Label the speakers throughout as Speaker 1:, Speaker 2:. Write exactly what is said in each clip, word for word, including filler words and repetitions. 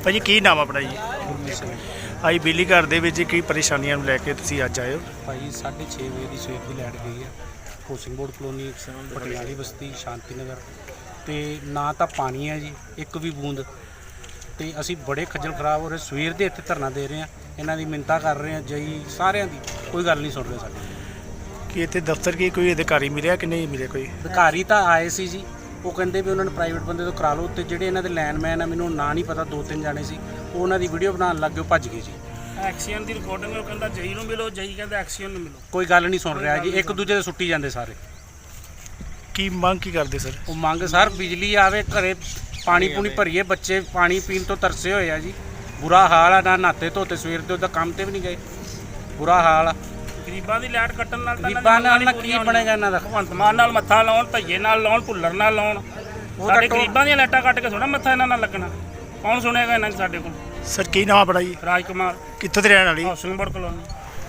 Speaker 1: ਭਾਜੀ ਕੀ ਨਾਮ ਆਪਣਾ ਜੀ? ਆਈ ਬਿਜਲੀ ਘਰ ਦੇ ਵਿੱਚ ਕੀ ਪਰੇਸ਼ਾਨੀਆਂ ਨੂੰ ਲੈ ਕੇ ਤੁਸੀਂ ਅੱਜ ਆਏ ਹੋ?
Speaker 2: ਭਾਈ ਸਾਢੇ ਛੇ ਵਜੇ ਦੀ ਸਵੇਰ ਦੀ ਲਾਈਟ ਗਈ ਹੈ। Housing board colony, Patiali Basti, Shanti Nagar, ਤੇ ਨਾ ਤਾਂ ਪਾਣੀ ਹੈ ਜੀ ਇੱਕ ਵੀ ਬੂੰਦ। ਤੇ ਅਸੀਂ ਬੜੇ ਖੱਜਲ ਖਰਾਬ ਹੋ ਰਹੇ, ਸਵੇਰ ਦੇ ਇੱਥੇ ਧਰਨਾ ਦੇ ਰਹੇ ਹਾਂ, ਇਹਨਾਂ ਦੀ ਮਿੰਨਤਾਂ ਕਰ ਰਹੇ ਹਾਂ ਜਈ ਸਾਰਿਆਂ ਦੀ, ਕੋਈ ਗੱਲ ਨਹੀਂ ਸੁਣ ਰਹੇ ਸਾਡੀ।
Speaker 1: ਕਿ ਇੱਥੇ ਦਫ਼ਤਰ ਕੀ ਕੋਈ ਅਧਿਕਾਰੀ ਮਿਲਿਆ ਕਿ ਨਹੀਂ ਮਿਲਿਆ? ਕੋਈ
Speaker 2: ਅਧਿਕਾਰੀ ਤਾਂ ਆਏ ਸੀ ਜੀ, ਉਹ ਕਹਿੰਦੇ ਵੀ ਉਹਨਾਂ ਨੇ ਪ੍ਰਾਈਵੇਟ ਬੰਦੇ ਤੋਂ ਕਰਾ ਲਓ। ਤੇ ਜਿਹੜੇ ਇਹਨਾਂ ਦੇ ਲਾਈਨਮੈਨ ਆ, ਮੈਨੂੰ ਨਾਂ ਨਹੀਂ ਪਤਾ, ਦੋ ਤਿੰਨ ਜਾਣੇ ਸੀ, ਉਹ ਉਹਨਾਂ ਦੀ ਵੀਡੀਓ ਬਣਾਉਣ ਲੱਗ ਗਏ, ਉਹ ਭੱਜ ਗਏ ਜੀ।
Speaker 3: ਐਕਸੀਅਨ ਦੀ ਰਿਕਾਰਡਿੰਗ ਉਹ ਕਹਿੰਦਾ ਜਈ ਨੂੰ ਮਿਲੋ, ਜਈ ਕਹਿੰਦਾ ਐਕਸੀਅਨ ਨੂੰ ਮਿਲੋ।
Speaker 2: ਕੋਈ ਗੱਲ ਨਹੀਂ ਸੁਣ ਰਿਹਾ ਜੀ, ਇੱਕ ਦੂਜੇ ਦੇ ਸੁੱਟੀ ਜਾਂਦੇ ਸਾਰੇ।
Speaker 1: ਕੀ ਮੰਗ ਕੀ ਕਰਦੇ ਸਰ?
Speaker 2: ਉਹ ਮੰਗ ਸਰ ਬਿਜਲੀ ਆਵੇ, ਘਰੇ ਪਾਣੀ ਪੂਣੀ ਭਰੀਏ, ਬੱਚੇ ਪਾਣੀ ਪੀਣ ਤੋਂ ਤਰਸੇ ਹੋਏ ਆ ਜੀ। ਬੁਰਾ ਹਾਲ ਆ, ਨਾ ਨਹਾਤੇ ਧੋਤੇ, ਸਵੇਰ ਦੇ ਉਹਦਾ ਕੰਮ ਤੇ ਵੀ ਨਹੀਂ ਗਏ, ਬੁਰਾ ਹਾਲ ਆ।
Speaker 3: ਗਰੀਬਾਂ ਦੀ ਲਾਈਟ ਕੱਟਣ ਨਾਲ ਤਾਂ
Speaker 2: ਗਰੀਬਾਂ ਨਾਲ ਨਾ ਕੀ ਬਣੇਗਾ ਇਹਨਾਂ ਦਾ?
Speaker 3: ਭਗਵੰਤ ਮਾਨ ਨਾਲ ਮੱਥਾ ਲਾਉਣ, ਧਈਏ ਨਾਲ ਲਾਉਣ, ਭੁੱਲਰ ਨਾਲ ਲਾਉਣ। ਸਾਡੇ ਗਰੀਬਾਂ ਦੀਆਂ ਲਾਈਟਾਂ ਕੱਟ ਕੇ ਥੋੜਾ ਮੱਥਾ ਇਹਨਾਂ ਨਾਲ ਲੱਗਣਾ। ਕੌਣ ਸੁਣੇਗਾ ਇਹਨਾਂ ਸਾਡੇ ਕੋਲ?
Speaker 1: ਸਰ ਕੀ ਨਾਮ ਆਪਣਾ ਜੀ?
Speaker 3: ਰਾਜ ਕੁਮਾਰ,
Speaker 1: ਕਿੱਥੋਂ ਦੇ ਰਹਿਣ ਵਾਲੀ?
Speaker 3: Housing board colony.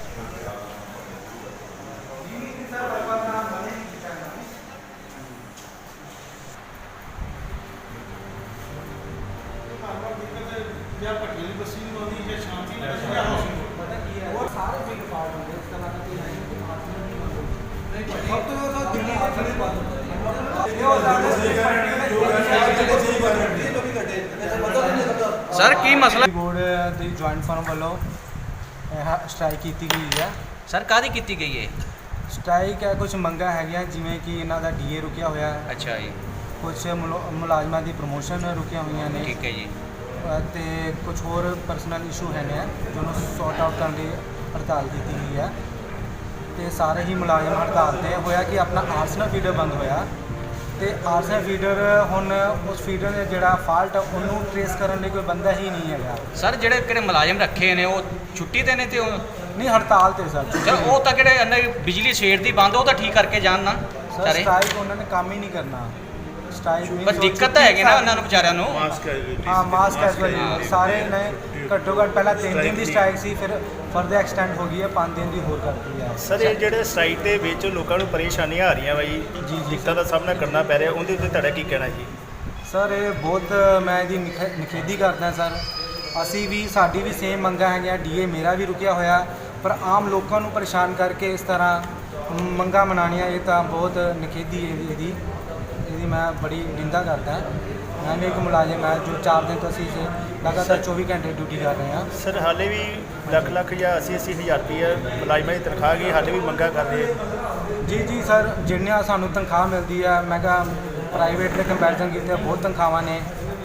Speaker 4: ਸਰ ਕੀ ਮਸਲਾ?
Speaker 5: ਬੋਰਡ ਦੀ ਜੁਆਇੰਟ ਫਰਮ ਵੱਲੋਂ ਸਟ੍ਰਾਈਕ ਕੀਤੀ ਗਈ ਹੈ।
Speaker 4: ਸਰ ਕਾਹਦੀ ਕੀਤੀ ਗਈ ਹੈ?
Speaker 5: ਸਟ੍ਰਾਈਕ ਹੈ, ਕੁਝ ਮੰਗਾਂ ਹੈਗੀਆਂ, ਜਿਵੇਂ ਕਿ ਇਹਨਾਂ ਦਾ ਡੀਏ ਰੁਕਿਆ ਹੋਇਆ ਹੈ,
Speaker 4: ਅੱਛਾ ਜੀ,
Speaker 5: ਕੁਝ ਮੁਲਾਜ਼ਮਾਂ ਦੀ ਪ੍ਰਮੋਸ਼ਨ ਰੁਕੀਆਂ ਹੋਈਆਂ ਨੇ,
Speaker 4: ਠੀਕ ਹੈ ਜੀ।
Speaker 5: ਅਤੇ ਕੁਝ ਹੋਰ ਪਰਸਨਲ ਇਸ਼ੂ ਹੈ ਨੇ ਜਿਹਨੂੰ ਸੌਟ ਆਊਟ ਕਰਨ ਲਈ ਹੜਤਾਲ ਕੀਤੀ ਗਈ ਹੈ। ਤੇ ਸਾਰੇ ਹੀ ਮੁਲਾਜ਼ਮ ਹੜਤਾਲ 'ਤੇ ਹੋਇਆ ਕਿ ਆਪਣਾ ਆਰਸਨਲ ਫੀਡਰ ਬੰਦ ਹੋਇਆ, ਤੇ ਆਰਸਨਲ ਫੀਡਰ ਹੁਣ ਉਸ ਫੀਡਰ ਦੇ ਜਿਹੜਾ ਫਾਲਟ ਉਹਨੂੰ ਟ੍ਰੇਸ ਕਰਨ ਲਈ ਕੋਈ ਬੰਦਾ ਹੀ ਨਹੀਂ ਹੈਗਾ।
Speaker 4: ਸਰ ਜਿਹੜੇ ਕਿਹੜੇ ਮੁਲਾਜ਼ਮ ਰੱਖੇ ਨੇ ਉਹ ਛੁੱਟੀ ਤੇ ਨੇ? ਤੇ ਉਹ
Speaker 5: ਨਹੀਂ, ਹੜਤਾਲ 'ਤੇ ਸਰ।
Speaker 4: ਸਰ ਉਹ ਤਾਂ ਕਿਹੜੇ ਅੰਦਰ ਬਿਜਲੀ ਸਵੇਰ ਦੀ ਬੰਦ, ਉਹ ਤਾਂ ਠੀਕ ਕਰਕੇ ਜਾਣ ਨਾ
Speaker 5: ਸਰ।
Speaker 4: ਸਾਰੇ
Speaker 5: ਸਟ੍ਰਾਈਕ ਉਹਨਾਂ ਨੇ ਕੰਮ ਹੀ ਨਹੀਂ ਕਰਨਾ। ਸਟ੍ਰਾਈਕ
Speaker 4: ਪਰ ਦਿੱਕਤ ਤਾਂ ਹੈਗੀ ਨਾ ਉਹਨਾਂ ਨੂੰ ਵਿਚਾਰਿਆਂ ਨੂੰ।
Speaker 5: ਹਾਂ, ਮਾਸ ਕੈਜੁਅਲ ਸਾਰੇ ਨੇ। ਘੱਟੋ ਘੱਟ ਪਹਿਲਾਂ ਤਿੰਨ ਦਿਨ ਦੀ ਸਟ੍ਰਾਈਕ ਸੀ, ਫਿਰ ਫਰਦਰ ਐਕਸਟੈਂਡ ਹੋ ਗਈ ਹੈ, ਪੰਜ ਦਿਨ ਦੀ ਹੋਰ ਕਰਤੀ ਹੈ।
Speaker 1: ਸਰ ਇਹ ਜਿਹੜੇ ਸਟ੍ਰਾਈਕ ਦੇ ਵਿੱਚ ਲੋਕਾਂ ਨੂੰ ਪਰੇਸ਼ਾਨੀਆਂ ਆ ਰਹੀਆਂ ਬਾਈ,
Speaker 5: ਜੀ ਜੀ
Speaker 1: ਦਿੱਕਤਾਂ ਦਾ ਸਾਹਮਣਾ ਕਰਨਾ ਪੈ ਰਿਹਾ, ਉਹਦੇ ਉੱਤੇ ਤੁਹਾਡਾ ਕੀ ਕਹਿਣਾ ਜੀ?
Speaker 5: ਸਰ ਇਹ ਬਹੁਤ ਮੈਂ ਇਹਦੀ ਨਿਖ ਨਿਖੇਧੀ ਕਰਦਾ ਸਰ। ਅਸੀਂ ਵੀ, ਸਾਡੀ ਵੀ ਸੇਮ ਮੰਗਾਂ ਹੈਗੀਆਂ, ਡੀਏ ਮੇਰਾ ਵੀ ਰੁਕਿਆ ਹੋਇਆ, ਪਰ ਆਮ ਲੋਕਾਂ ਨੂੰ ਪਰੇਸ਼ਾਨ ਕਰਕੇ ਇਸ ਤਰ੍ਹਾਂ ਮੰਗਾਂ ਮਨਾਉਣੀਆਂ, ਇਹ ਤਾਂ ਬਹੁਤ ਨਿਖੇਧੀ ਹੈ ਇਹਦੀ ਇਹਦੀ ਮੈਂ ਬੜੀ ਨਿੰਦਾ ਕਰਦਾ। ਮੈਂ ਵੀ ਇੱਕ ਮੁਲਾਜ਼ਮ ਹੈ ਜੋ ਚਾਰ ਦਿਨ ਤੋਂ ਅਸੀਂ ਲਗਾਤਾਰ ਚੌਵੀ ਘੰਟੇ ਡਿਊਟੀ ਕਰ ਰਹੇ ਹਾਂ।
Speaker 1: ਸਰ ਹਾਲੇ ਵੀ ਲੱਖ ਲੱਖ ਜਾਂ ਅੱਸੀ ਅੱਸੀ ਹਜ਼ਾਰ ਰੁਪਈਆ ਮੁਲਾਜ਼ਮਾਂ ਦੀ ਤਨਖਾਹ ਗਈ, ਹਾਲੇ ਵੀ ਮੰਗਾਂ ਕਰ ਰਹੇ?
Speaker 5: ਜੀ ਜੀ ਸਰ, ਜਿੰਨੀਆਂ ਸਾਨੂੰ ਤਨਖਾਹ ਮਿਲਦੀ ਹੈ, ਮੈਂ ਕਿਹਾ ਪ੍ਰਾਈਵੇਟ ਦੇ ਕੰਪੈਰੀਜ਼ਨ ਕੀਤੇ ਬਹੁਤ ਤਨਖਾਹਾਂ ਨੇ।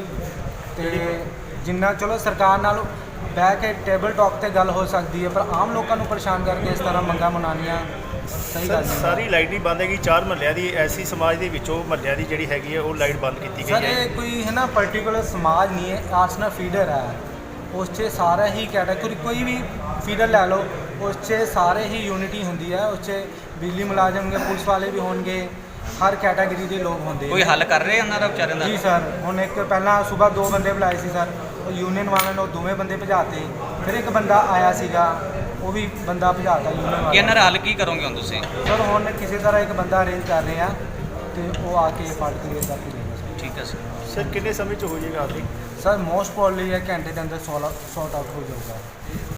Speaker 5: ਤੇ ਜਿੰਨਾ ਚਲੋ ਸਰਕਾਰ ਨਾਲ ਬਹਿ ਕੇ ਟੇਬਲ ਟਾਕ 'ਤੇ ਗੱਲ ਹੋ ਸਕਦੀ ਹੈ, ਪਰ ਆਮ ਲੋਕਾਂ ਨੂੰ ਪਰੇਸ਼ਾਨ ਕਰਕੇ ਇਸ ਤਰ੍ਹਾਂ ਮੰਗਾਂ ਮਨਾਉਣੀਆਂ ਸਹੀ ਗੱਲ ਨਹੀਂ।
Speaker 1: ਸਾਰੀ ਲਾਈਟ ਹੀ ਬੰਦ ਹੈਗੀ, ਚਾਰ ਮਹੱਲਿਆਂ ਦੀ ਐਸੀ ਸਮਾਜ ਦੇ ਵਿੱਚੋਂ ਮਹੱਲਿਆਂ ਦੀ ਜਿਹੜੀ ਹੈਗੀ ਹੈ ਉਹ ਲਾਈਟ ਬੰਦ ਕੀਤੀ ਗਈ
Speaker 5: ਸਰ
Speaker 1: ਹੈ।
Speaker 5: ਇਹ ਕੋਈ ਹੈ ਨਾ ਪਰਟੀਕੂਲਰ ਸਮਾਜ ਨਹੀਂ ਹੈ, ਆਰਸਨਲ ਫੀਡਰ ਹੈ, ਉਸ 'ਚ ਸਾਰਾ ਹੀ ਕੈਟਾਗਰੀ, ਕੋਈ ਵੀ ਫੀਡਰ ਲੈ ਲਓ, ਉਸ 'ਚ ਸਾਰੇ ਹੀ ਯੂਨਿਟੀ ਹੁੰਦੀ ਹੈ। ਉਸ 'ਚ ਬਿਜਲੀ ਮੁਲਾਜ਼ਮ ਹੋਣਗੇ, ਪੁਲਿਸ ਵਾਲੇ ਵੀ ਹੋਣਗੇ, ਹਰ ਕੈਟਾਗਰੀ ਦੇ ਲੋਕ ਹੁੰਦੇ।
Speaker 4: ਕੋਈ ਹੱਲ ਕਰ ਰਹੇ ਉਹਨਾਂ ਦਾ ਵਿਚਾਰਿਆਂ ਦਾ?
Speaker 5: ਜੀ ਸਰ, ਹੁਣ ਇੱਕ ਪਹਿਲਾਂ ਸਵੇਰ ਦੋ ਬੰਦੇ ਬੁਲਾਏ ਸੀ ਸਰ, ਉਹ ਯੂਨੀਅਨ ਵਾਲਿਆਂ ਨੇ ਉਹ ਦੋਵੇਂ ਬੰਦੇ ਭਜਾਤੇ, ਫਿਰ ਇੱਕ ਬੰਦਾ ਆਇਆ ਸੀਗਾ, ਉਹ ਵੀ ਬੰਦਾ ਭਜਾਤਾ ਯੂਨੀਅਨ ਵਾਲਾ।
Speaker 4: ਕਿ ਇਹਨਾਂ ਦਾ ਹੱਲ ਕੀ ਕਰੋਗੇ ਹੁਣ ਤੁਸੀਂ?
Speaker 5: ਸਰ ਹੁਣ ਕਿਸੇ ਤਰ੍ਹਾਂ ਇੱਕ ਬੰਦਾ ਅਰੇਂਜ ਕਰ ਰਹੇ ਆ, ਤੇ ਉਹ ਆ ਕੇ ਫੜ ਕੇ ਕਰਕੇ ਦੇਗਾ ਸਰ।
Speaker 4: ਠੀਕ ਹੈ ਸਰ।
Speaker 1: ਸਰ ਕਿੰਨੇ ਸਮੇਂ 'ਚ ਹੋ ਜਾਏਗਾ ਹਾਲੇ?
Speaker 5: ਸਰ ਮੋਸਟ ਪ੍ਰੋਬਬਲੀ ਇਹ ਘੰਟੇ ਦੇ ਅੰਦਰ ਸੌਟ ਆਊਟ ਹੋ ਜਾਊਗਾ।